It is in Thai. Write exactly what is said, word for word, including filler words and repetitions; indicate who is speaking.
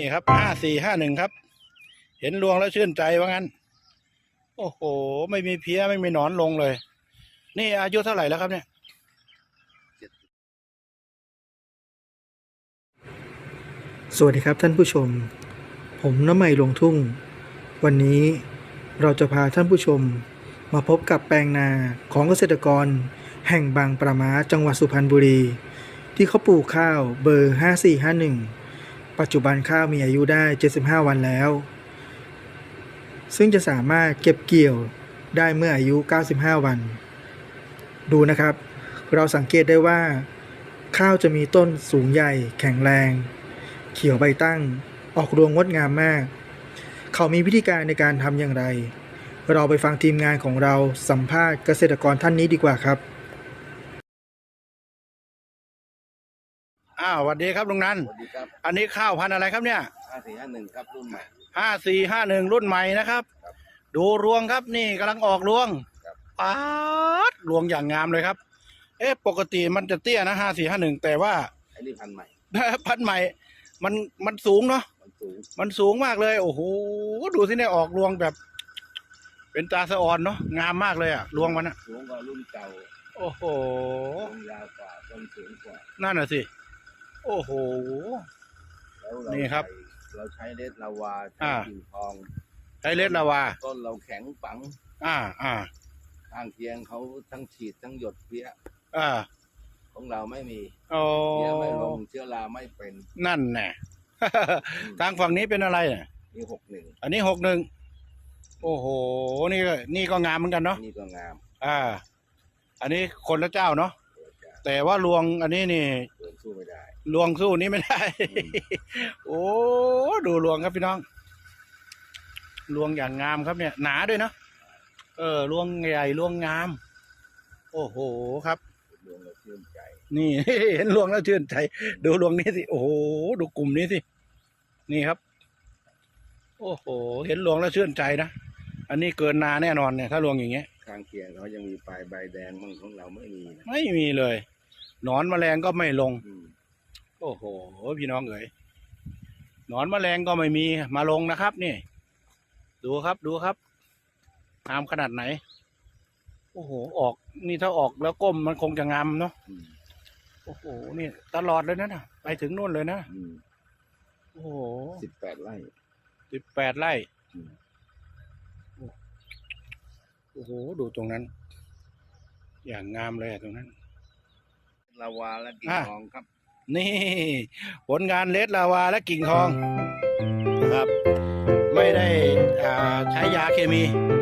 Speaker 1: ครับห้าสี่ห้าหนึ่งครับเห็นรวงแล้วชื่นใจว่างั้นโอ้โหไม่มีเพี้ยไม่มีหนอนลงเลยนี่อายุเท่าไหร่แล้วครับเนี่ย
Speaker 2: สวัสดีครับท่านผู้ชมผมน้ำใหม่ลงทุ่งวันนี้เราจะพาท่านผู้ชมมาพบกับแปลงนาของเกษตรกรแห่งบางปะมาจังหวัดสุพรรณบุรีที่เขาปลูกข้าวเบอร์ห้าสี่ห้าหนึ่งปัจจุบันข้าวมีอายุได้เจ็ดสิบห้าวันแล้วซึ่งจะสามารถเก็บเกี่ยวได้เมื่ออายุเก้าสิบห้าวันดูนะครับเราสังเกตได้ว่าข้าวจะมีต้นสูงใหญ่แข็งแรงเขียวใบตั้งออกรวงงดงามมากเขามีวิธีการในการทำอย่างไรเราไปฟังทีมงานของเราสัมภาษณ์เกษตรกรท่านนี้ดีกว่าครับ
Speaker 1: อ้าวสวัสดีครับลุงนัน
Speaker 3: สวัสดีครับ
Speaker 1: อันนี้ข้าวพันธุ์อะไรครับเนี่ย
Speaker 3: ห้าสี่ห้าหนึ่งครับรุ่นใหม่
Speaker 1: ห้าสี่ห้าหนึ่งรุ่นใหม่นะครับดูรวงครับนี่กำลังออกรวงป๊าดรวงอย่างงามเลยครับเอ๊ะปกติมันจะเตี้ยนะห้าสี่ห้าหนึ่งแต่ว่า
Speaker 3: ไอ้นี่พันธุ์ใหม่
Speaker 1: พันธุ์ใหม่มันมันสูงเนาะ
Speaker 3: มันสูง
Speaker 1: มันสูงมากเลยโอ้โหดูสิเนี่ยออกรวงแบบเป็นตาสะออนเนาะงามมากเลยอะรวงมันอะ
Speaker 3: สูงกว่ารุ่นเก่า
Speaker 1: โอ้โห
Speaker 3: ต้นยาวกว่าต้นสูงกว่า
Speaker 1: นั่นน่ะสิโอ้โห
Speaker 3: แล้วเรา
Speaker 1: นี่ครับ
Speaker 3: เราใช้เลสลาวาใช้กิ่งทอง
Speaker 1: ใช้เลสลาวา
Speaker 3: ต้นเราแข็งปัง
Speaker 1: อ่าอ่า
Speaker 3: ข้างเคียงเขาทั้งฉีดทั้งหยดเพี้ย
Speaker 1: อ่า
Speaker 3: ของเราไม่มี
Speaker 1: โอ้
Speaker 3: เพี้ยไม่ลงเชื้อราไม่เป็น
Speaker 1: นั่นแน่ทางฝั่งนี้เป็นอะไรเนี่ย
Speaker 3: นี่หกหนึ่ง
Speaker 1: อันนี้หกหนึ่งโอ้โหนี่ก็นี่ก็งามเหมือนกันเนาะ
Speaker 3: นี่ก็งาม
Speaker 1: อ่าอันนี้คนละเจ้าเนาะแต่ว่าลวงอันนี้นี่
Speaker 3: ลวงสู้ไม่ได้
Speaker 1: ลวงสู้นี้ไม่ได้โอ้ดูลวงครับพี่น้องลวงอย่างงามครับเนี่ยหนาด้วยเนาะเออลวงใหญ่ลวงงามโอ้โหครับ
Speaker 3: ลวงแล้วชื่นใจ
Speaker 1: นี่ เห็นลวงแล้วชื่นใจดูลวงนี้สิโอ้โหดูกลุ่มนี้สินี่ครับโอ้โหเห็นลวงแล้วชื่นใจนะอันนี้เกินนาแน่นอนเนี่ยถ้าลวงอย่างเงี้ย
Speaker 3: ข้างเคียงเขายังมีปลายใบแดงมั่งของเราไม่มีนะ
Speaker 1: ไม่มีเลยหนอนแมลงก็ไม่ลงโอ้โหพี่น้องเอ๋ยหนอนแมลงก็ไม่มีมาลงนะครับนี่ดูครับดูครับงามขนาดไหนโอ้โหออกนี่ถ้าออกแล้วก้มมันคงจะงามเนาะโอ้โหนี่ตลอดเลยนะนะไปถึงนู่นเลยนะโอ้โห
Speaker 3: สิบแปดไร่
Speaker 1: สิบแปดไร่โอ้โหดูตรงนั้นอย่างงามเลยตรงนั้น
Speaker 3: ลาวาและกิ่งทองครับ
Speaker 1: นี่ผลงานเลสลาวาและกิ่งทองครับไม่ได้ใช้ยาเคมี